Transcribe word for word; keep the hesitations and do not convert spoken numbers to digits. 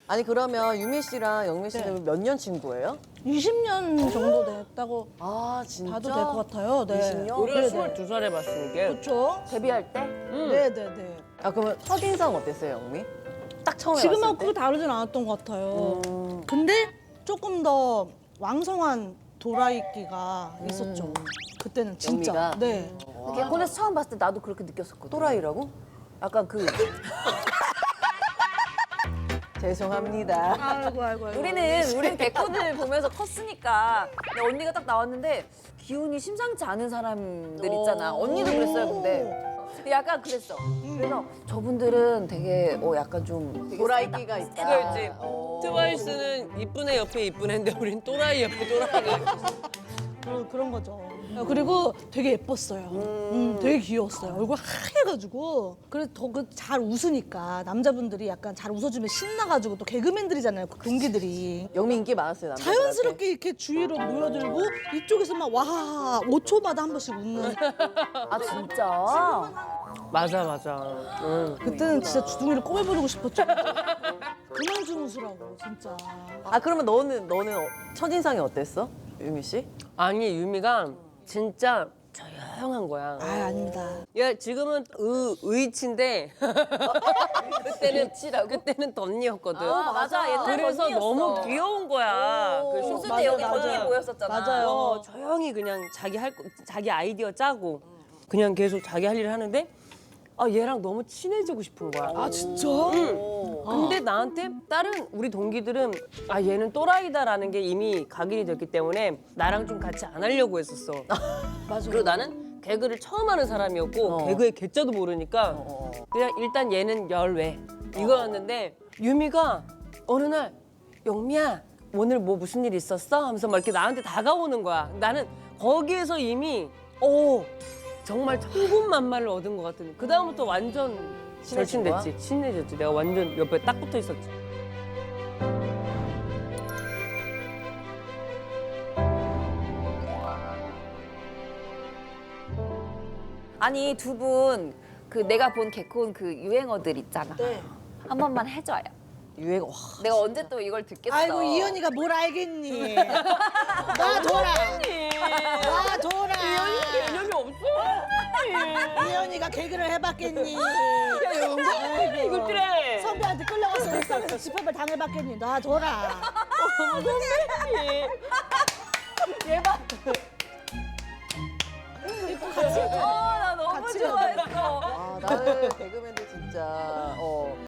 아니 그러면 유미 씨랑 영미 씨는 네. 몇 년 친구예요? 이십 년 정도 됐다고 아 진짜? 봐도 될 것 같아요. 네. 이십 년? 우리가 네네. 스물두 살에 봤으니 게. 그렇죠. 데뷔할 때? 네네네. 아 그러면 첫인상 어땠어요 영미? 딱 처음에 지금하고 봤을 때? 크게 다르진 않았던 것 같아요. 음. 근데 조금 더 왕성한 도라이끼가 있었죠. 그때는 진짜. 영미가? 네. 개콘에서 처음 봤을 때 나도 그렇게 느꼈었거든. 또라이라고? 약간 그 죄송합니다. 아이고 아이고. 아이고. 우리는 우린 개콘을 보면서 컸으니까 근데 언니가 딱 나왔는데 기운이 심상치 않은 사람들 있잖아. 언니도 그랬어요, 근데. 근데 약간 그랬어. 그래서 저분들은 되게 어 약간 좀 되게 도라이끼가 있다. 그렇지. 어. 트와이스는 이쁜 애 옆에 이쁜 애인데 우린 또라이 옆에 또라이가 있었어. 그런, 그런 거죠. 그리고 되게 예뻤어요. 음, 되게 귀여웠어요. 얼굴 하얘가지고. 그래서 더 잘 웃으니까 남자분들이 약간 잘 웃어주면 신나가지고 또 개그맨들이잖아요. 그 동기들이. 영미 인기 많았어요 남자. 자연스럽게 이렇게 주위로 모여들고 이쪽에서 막 와 오 초마다 한 번씩 웃는. 아 진짜? 맞아 맞아. 응. 그때는 진짜 주둥이를 꼬매버리고 싶었죠. 그만 좀 웃으라고 진짜. 아 그러면 너는 너는 어- 첫인상이 어땠어? 유미 씨? 아니 유미가 진짜 조용한 거야. 아 아닙니다. 야 지금은 의 의치인데 그때는 그때는 덧니였거든. 아, 맞아. 옛날 그래서 덧니였어. 너무 귀여운 거야. 그 웃을 쇼츠 때 여기 맞아, 덧니 맞아. 보였었잖아. 맞아요. 어, 조용히 그냥 자기 할 거- 자기 아이디어 짜고 그냥 계속 자기 할 일을 하는데 아 얘랑 너무 친해지고 싶은 거야. 아 진짜? 근데 나한테 다른 우리 동기들은 아 얘는 또라이다라는 게 이미 각인이 됐기 때문에 나랑 좀 같이 안 하려고 했었어. 맞아. 그리고 나는 개그를 처음 하는 사람이었고 어. 개그의 개자도 모르니까 어. 그냥 일단 얘는 열외 이거였는데 유미가 어느 날 영미야 오늘 뭐 무슨 일 있었어? 하면서 막 이렇게 나한테 다가오는 거야. 나는 거기에서 이미 오 정말 천군만마를 얻은 것 같은. 그 다음부터 완전 친해진 거야? 절친됐지. 친해졌지. 내가 완전 옆에 딱 붙어 있었지. 아니 두 분 그 내가 본 개콘 그 유행어들 있잖아. 네. 한 번만 해줘요. 유행 와. 내가 언제 또 이걸 듣겠어. 아이고 이현이가 뭘 알겠니? 나 돌아. 나 돌아. 개념이 없어. 이현이가 개그를 해봤겠니? 야, 이거 그래. 선배한테 끌려가서 옥상에서 집합을 당해봤겠니? 나 돌아. 어, 나 너무 같이 좋아했어. 아 나는 개그맨들 진짜 어.